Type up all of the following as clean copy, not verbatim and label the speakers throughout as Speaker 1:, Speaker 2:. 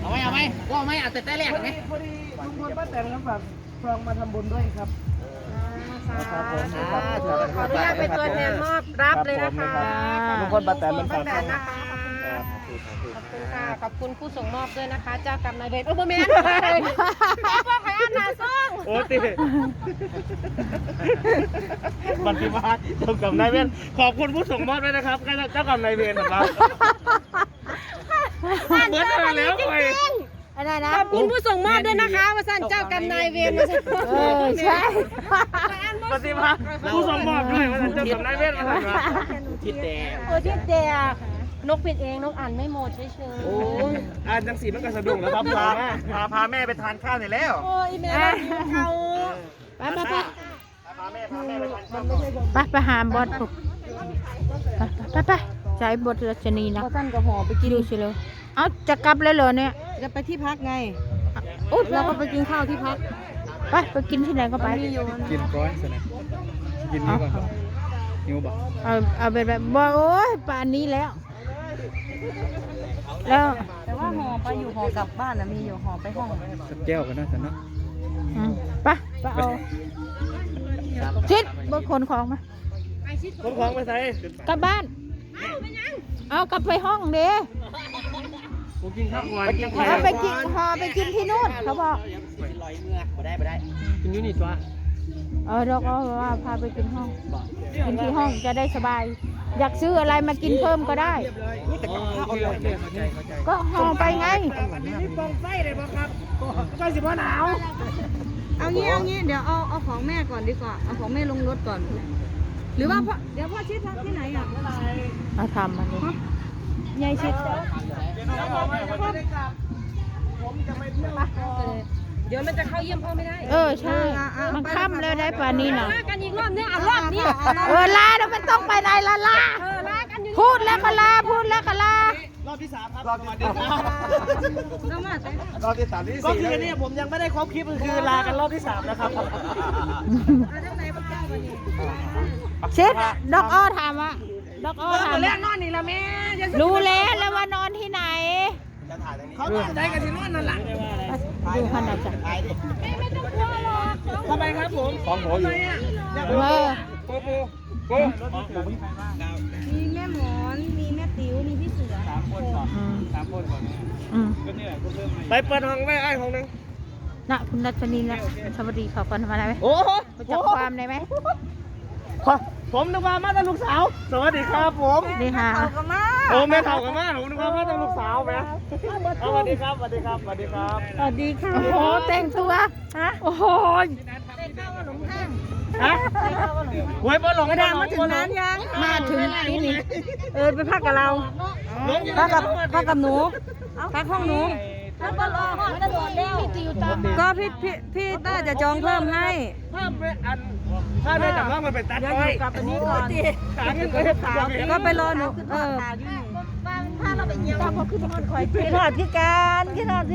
Speaker 1: เอาไหมว่าไหมเอาแต่แรกไหม
Speaker 2: พอดีลุงพลป้าแตนครับฝากซองมาทำบุญด้วยครับครับผมขออนุญาตเป็นตัวแทนมอบรับเลยนะคะลุงพลป้าแตนเป็นฝากซอง
Speaker 3: ขอบคุณค่ะขอบคุณผู้ส่งมอบด้วยนะคะ เจ้ากรรมนายเวรโอ้โหแม่พ่อใครอ่านหนาซ่อง
Speaker 2: โอ้ติบัตรพิมาเจ้ากรรมนายเวรขอบคุณผู้ส่งมอบด้วยนะครับเจ้ากรรมนายเวรนะครับเหมือนกันแล้วไป
Speaker 3: อะไรนะขอบคุณผู้ส่งมอบด้วยนะคะมาสั่นเจ้ากรรมนายเวรมาสั่นใช่
Speaker 2: ปฏิมาผู้ส่งมอบด้วยมาสั่นเจ้ากรรมนายเวรมาสั่นว่า
Speaker 1: ทิดแดง
Speaker 3: ทิดแดงนกผิดเองนกอ่านไม่หมดเฉยๆ
Speaker 2: โอ้อ่านจังสีมันก็สะดุ้งแล้วครับพาแม่ไปทานข้าวหน่อยแล้ว
Speaker 3: โอ้ยแม่เขาไป
Speaker 2: พาแม่ไปทานข้าว
Speaker 4: ไปหาบอสถูกไปใช้บทรัชนีนะ
Speaker 3: ท่านกับหอไปกิน
Speaker 4: ดูสิเลยเอาจะกลับเลยเหรอเนี่ย
Speaker 3: จะไปที่พักไงอุ๊ยเราก็ไปกินข้าวที่พัก
Speaker 4: ไปกินที่ไหนก็ไป
Speaker 2: กินร้อยสนะกินนิ้วก่อนนิ้วบ่
Speaker 4: เอาแบบบ่โอ้ยป่านนี้แล้ว
Speaker 3: แต่ว่าหอไปอยู่หอกลับบ้านนะมีอยู่หอไปห้อง
Speaker 2: สักแก้วกันนะสันนะ
Speaker 4: ไปเอาชิดบนขนของมา
Speaker 2: ขนของไปใส่
Speaker 4: กลับบ้านเอากลับไปห้องเด้
Speaker 2: ผมกินข้าวก่อน
Speaker 4: เอาไปกินไปกินที่นู่นเขาบอก
Speaker 1: ลอยเมื่อไปได้
Speaker 2: กินยูนิตวะ
Speaker 4: เราก็ว่าพาไปกินห้องกินที่ห้องจะได้สบายอยากซื้ออะไรมากินเพิ่มก็ได้ก็ห่อไปไง
Speaker 2: นี่ปองไฟเลยป่ะครับก็สิบว่าหนาว
Speaker 3: เอางี้เดี๋ยวเอาของแม่ก่อนดีกว่าเอาของแม่ลงรถก่อนหรือว่าเดี๋ยวพ่อชิดพักที่ไหนอ่ะ
Speaker 4: เอาทำมันเลย
Speaker 3: ยายชิดเดี๋ยวมันจะเข้าเยี่ยมพ่อไม่ได้
Speaker 4: ใช่มันค่ำแล้วได้ป่านนี้นะ
Speaker 3: กันอีกรอบนึงรอบนี้
Speaker 4: ลาแล้วมันต้องไปไหนลาพูดแล้วก็ลาร
Speaker 2: อบที่3ครับรอบที่3ก็คือเนี่ยผมยังไม่ได้ครบคลิปคือลากันรอบที่3นะครับ
Speaker 4: เช็ดดอกอ้อถามว่าดอกอ้อถาม
Speaker 3: แรกนอนนี่ละแม่
Speaker 4: รู้แล้วว่านอนที่ไหน
Speaker 2: เขาต้องใจกันที่นอนนั่นแหละ
Speaker 4: ดูขนาดจ้ะ
Speaker 3: ไม่ต้องกลัวหรอก
Speaker 2: ทำไมครับผมของหัวอยู่ปู
Speaker 3: มีแม่หมอนมีแม่ติ๋วมีพี่เสือ
Speaker 2: 3 คนก่อนก็นี่แหละไปเปิดห้องไว้ไอ้ห้องนึง
Speaker 4: น่ะคุณรัชนีนะสวัสดีขอก่อนทำอะไรไหม
Speaker 2: โอ้โห
Speaker 4: จับความได้ไหม
Speaker 2: ผมนึกว่ามาแต่ลูกสาวสวัสดีครับผม
Speaker 4: นี่ค่ะ
Speaker 2: โอ้แม่เฒ่ากันมาผมนึกว่ามาแต่ลูกสาวแม่สวัสดีครับสวัสดีค่ะ
Speaker 4: โอ้โหแต่งตัวโอ้โห
Speaker 2: หวยบอลหลง
Speaker 3: กระดางมาถึงนั้นยัง
Speaker 4: มาถึงที่นี่
Speaker 3: ไปพักกับเราพักกับหนูพักห้องหนูถ้าบอลออกจะโดดเร็วก็พี่ต้าจะจองเพิ่มให้
Speaker 2: เพิ่มไปอันถ้าได้จากว่ามันเป็นตัดไว้
Speaker 3: กลับอันนี้ก่อนก็ไปรอหนูถ้าเราไปเยี่ยมเราขึ้นทอดคอยขึ้นทอดที่การ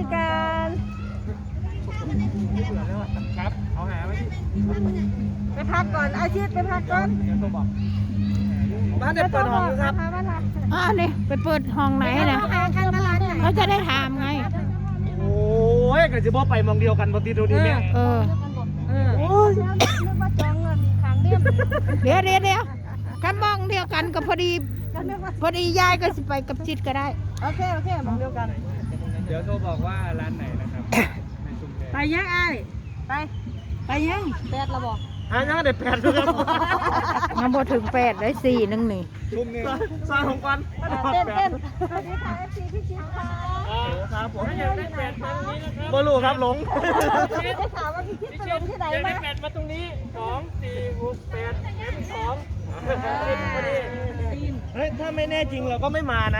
Speaker 2: ครับเอาหาไว้
Speaker 3: ไปพักก่อนอาชีพไปพักก่อน
Speaker 2: บ้านเด็กเปิดห้องครับ
Speaker 4: นี่ไปเปิดห้องไหนนะเขาจะได้ถามไง
Speaker 2: โอ้ยกันจะบอกไปมองเดียวกันปกติดูดีเนี่ย
Speaker 3: โอ้ยนึกว่าจองเงินขังเดี
Speaker 4: ยวกันมองเดียวกันก็พอดียายก็สิไปกับจิตก็ได้
Speaker 3: โอเคมองเดียวกัน
Speaker 2: เดี๋ยวโทรบอกว่าร้านไหนนะครับ
Speaker 3: ไปยังไงไปยัง8ระบอก
Speaker 2: ยังเด็ด8เลยครับ
Speaker 4: ยังพอถึง8ได้4นึงนี่
Speaker 2: ลุงนี่สร้างของกัน
Speaker 3: เต้นสวัสดีค่ะ FC พี่ชิดค่ะ
Speaker 2: ครับผมอยากได้8มาตรงนี้นะครับบ่รู้ครับหลง
Speaker 3: ได้ข่าวว่าพี่ชิดไปลงที่ไหนมา
Speaker 2: ได้8มาตรงนี้2 4 6 8 2เฮ้ยถ้าไม่แน่จริงเราก็ไม่มานะ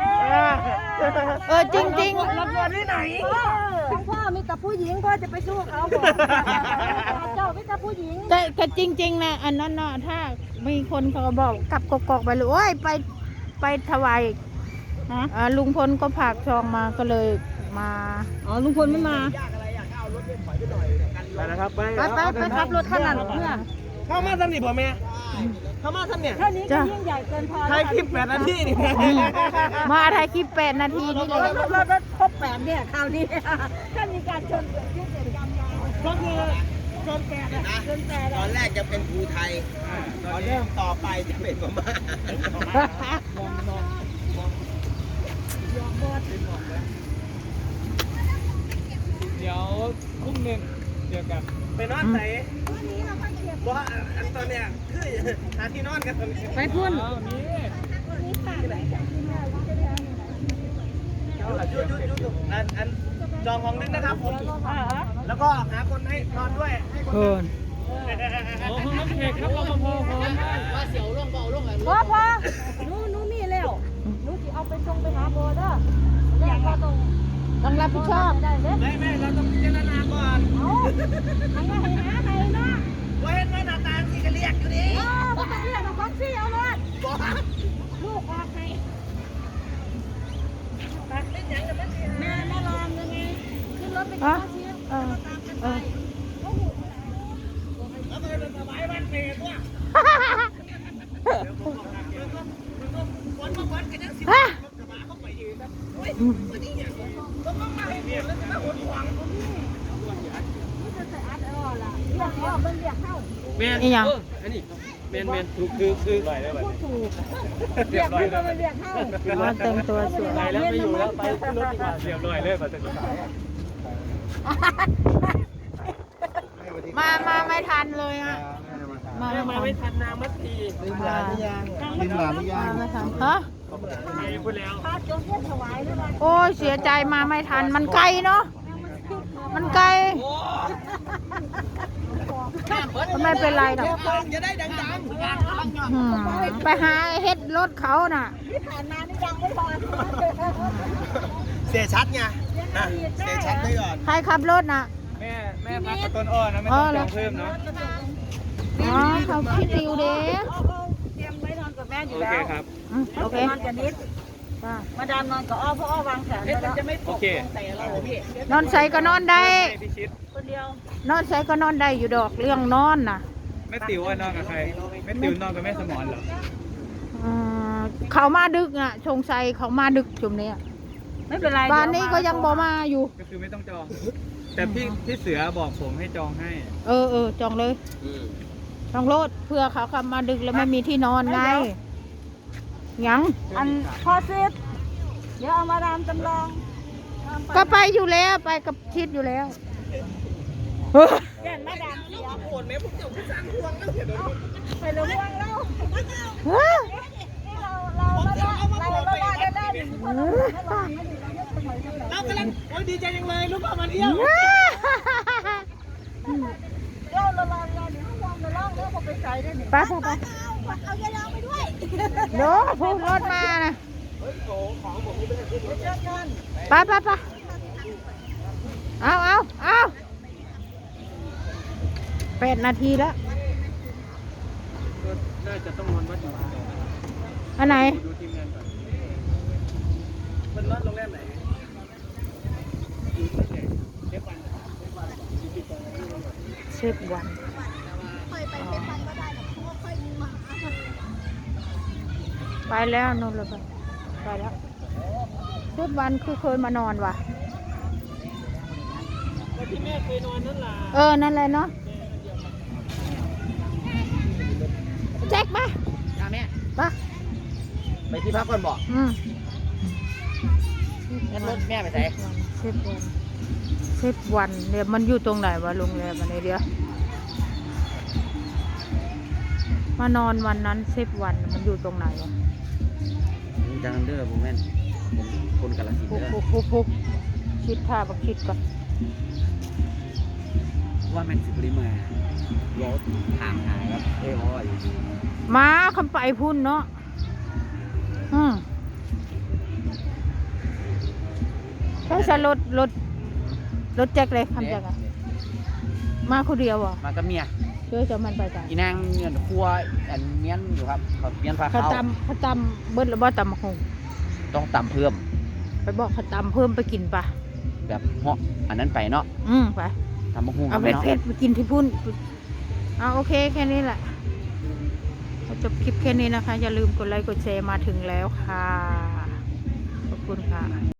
Speaker 4: จริง
Speaker 2: รับเงินที่ไหน
Speaker 3: พ่อมีแต่ผู้หญิงพ่อจะไปสู้เขาบอกเจ้ามีแต่ผู้หญิง
Speaker 4: แต่จริงๆนะอันนั้นเนาะถ้ามีคนเขาบอกกลับกอกไปเลยโอ้ยไปถวายลุงพลก็ผากซองมาก็เลยมา
Speaker 3: ลุงพลไม่มา
Speaker 2: ไปนะครับไป
Speaker 3: ขับรถขนาดเพื่อ
Speaker 2: เข้ามาทำนี่บ่แม่เข้ามาทำเนี่ย
Speaker 3: เท่านี้ก็ยิ่งใหญ่เกินพอ
Speaker 2: ถ่ายคลิป8 นาทีนี่
Speaker 3: มาถ่ายคลิป8 นาทีนี่เลย
Speaker 2: รถครบ8เนี่ยคราวนี้ถ้ามีการชนเกิดขึ้นก็คือชน8นะชน8
Speaker 1: ตอนแรกจะเป็นภูไทยตอนเริ่มต่อไปจะเป็นพม่า
Speaker 5: เดี๋ยวพรุ่งนึงเจอกัน
Speaker 2: ไปนอนไหนว่าอันตอนเนี้ยคือหาที่นอนกันตอนนี้
Speaker 3: ไปพุ่น
Speaker 5: เอานี่
Speaker 2: อันจองห้องนึงนะครับผมแล้วก็หาคนให้นอนด้วยให้คน
Speaker 3: เพิ่น
Speaker 5: โอ้ห้องน้ำแขกครับรปภพร้อม
Speaker 1: ว่าเสียวลงเบาลงอะไร
Speaker 3: พอหนูมีแล้วหนูสิเอาไปส่งไปหาโบเด้อแล้วก็ต้องรับผิดชอบได้เด้
Speaker 2: ไม่เราต้องพิจารณาก่อน
Speaker 3: เอาทางว่าให้หาให้เนาะ
Speaker 2: ว่าเห็นว่าหน้าตาที่จะเรียกอยู่นี่
Speaker 3: บ่ต้องเรียกเอาของซี่เอาเลยลูกออกให้แม่ลองยังไงขึ้นรถไปกินข้าวเชียร์แล้วก็ตามกันไป
Speaker 2: แล้วก็จะสบายบ้านเปรตว่ะวันมาวันกันยังสิบกระบะเข้าไปยืนนะเฮ้ยวันนี้เนี่ยต้องมาให้เรียกแล้วจะมาหดหวัง
Speaker 5: แมน
Speaker 3: อีหยัง
Speaker 5: อันนี้แมนคือไหลได้ไหมเรียบร้อยแล้ว
Speaker 3: มาแต่งตัวสวย
Speaker 5: ไหลแล้วไม่อยู่แล้วไปขึ้นรถดีกว่าเรียบร้อยเลยปัจจุบัน
Speaker 3: มาไม่ทันเลยอ่ะมา
Speaker 5: มาไม่ทันนางมัดที
Speaker 1: ลืมหลานหรือยังลืมหลานหรือยัง
Speaker 3: ไม่ทันฮะ
Speaker 5: มีพูดแล้ว
Speaker 3: โอ้ยเสียใจมาไม่ทันมันไกลเนาะมันไกลไม่เป็นไรหรอก
Speaker 2: จะได้ดัง
Speaker 3: อืมไปหาเฮ็ดรถเขาน่ะ
Speaker 2: ๆเสียชัดไงเสียชัดไปก่อน
Speaker 3: ใครขับรถน่ะ
Speaker 5: แม่พักกับต้นอ้อนะไม่ต้องจองเพิ่มเนาะ
Speaker 3: อ๋อเขาคิดดิวเด้
Speaker 2: เตรียมไว้นอนกับแม่อยู่
Speaker 5: โอ
Speaker 2: แล้
Speaker 5: เคว ครับ
Speaker 3: โอเค
Speaker 2: นอนกับนิดมาดามนอนกับอ้อเพราะอ้อวางแผนไว้แล้วจะไม่
Speaker 5: โอเค
Speaker 3: นอนใส่ก็นอนได้
Speaker 5: พี่ชิด
Speaker 2: คนเดียวน
Speaker 3: อนใส่ก็นอนได้อยู่ดอกเรื่องนอนน่ะ
Speaker 5: แม่ติ๋วว่านอนกับใครแม่ติ๋วนอนกับแม่สมรเหรอ
Speaker 3: อืมเขามาดึกอ่ะชงชัยเขามาดึกชุมนี้
Speaker 2: ไม่เป็นไร
Speaker 3: บ้านนี้ก็ยังบ่มาอยู่
Speaker 5: ก็คือไม่ต้องจอง แต่พี่เสือบอกผมให้จองให้
Speaker 3: เออจองเลยจองรถเพื่อเขาขับมาดึกแล้วไม่มีที่นอนไงยัง
Speaker 2: อันพอซิดเดี๋ยวเอามาดามจำลอง
Speaker 3: ก็ไปอยู่แล้วไปกับชิดอยู่แล้ว
Speaker 2: แก่นมาดามเสียโอนแม่พวกเจ้าผู้สร้างพวงแล้วเสียโดนไปเลยพวงแล้ว
Speaker 3: เฮ้ย
Speaker 2: เรากำลังโอ้ยดีใจจังเลยลูกพ่อมาเที่ยวเราลองเดี๋ยวพวงเราลองแล้วพอไปใส่ได้หนิ
Speaker 3: ไปเอายาลองไปด้วยโน้พูดรถมานะไปเอา8 นาทีแล้ว
Speaker 5: น่าจะต้องนอนวัดอยู่
Speaker 3: อันไหน
Speaker 5: ดูทีมงานก่อน
Speaker 2: มันนอนโรงแรมไหน
Speaker 3: เชฟวันไปแล้วนู่นเลยไปแล้วเชฟวันคือเคยมานอนว่ะ
Speaker 5: ที่แม่เคยนอนนั่นล่ะ
Speaker 3: นั่นแหละเนาะแจ็คมา
Speaker 1: จ้าแม่
Speaker 3: ไป
Speaker 1: ไปที่พักก่อนบอก งั้นรถแม่ไปไหน
Speaker 3: เชฟวันเดี๋ยวมันอยู่ตรงไหนวะโรงแรมอันนี้เดี๋ยวมานอนวันนั้นเชฟวันมันอยู่ตรงไหนวะ
Speaker 1: จังเด้อผมแม่นผมคนกาฬสินธุ์
Speaker 3: ปุ๊บ
Speaker 1: เด้อ
Speaker 3: คิดท่าบักคิดก่อน
Speaker 1: ว่าแม่นสิบริมารถถามหาครับอ้อย
Speaker 3: มาคำไปพุ่นเนาะแค่จะรถแจ็คเลยคำแจ็คอะมาคนเดียวอ่ะ
Speaker 1: มากับเมีย
Speaker 3: ช่วยจะมันไปจ้ะ
Speaker 1: อีนางเงินครัวอันเมียนอยู่ครับเขาเมียนพา
Speaker 3: เขา
Speaker 1: เข้า
Speaker 3: ตำเบิ้ลหรือบ่ตำมะฮง
Speaker 1: ต้องตำเพิ่ม
Speaker 3: ไปบอกเขาตำเพิ่มไปกินปะ
Speaker 1: แบบเหาะอันนั้นไปเนาะ
Speaker 3: ไป
Speaker 1: ตำมะฮุ่ง
Speaker 3: เอา
Speaker 1: ไป
Speaker 3: เผ็ด
Speaker 1: เนาะ
Speaker 3: เผ็ดไปกินที่พุ่น
Speaker 4: โอเคแค่นี้แหละจบคลิปแค่นี้นะคะ อย่าลืมกดไลค์กดแชร์มาถึงแล้วค่ะ ขอบคุณค่ะ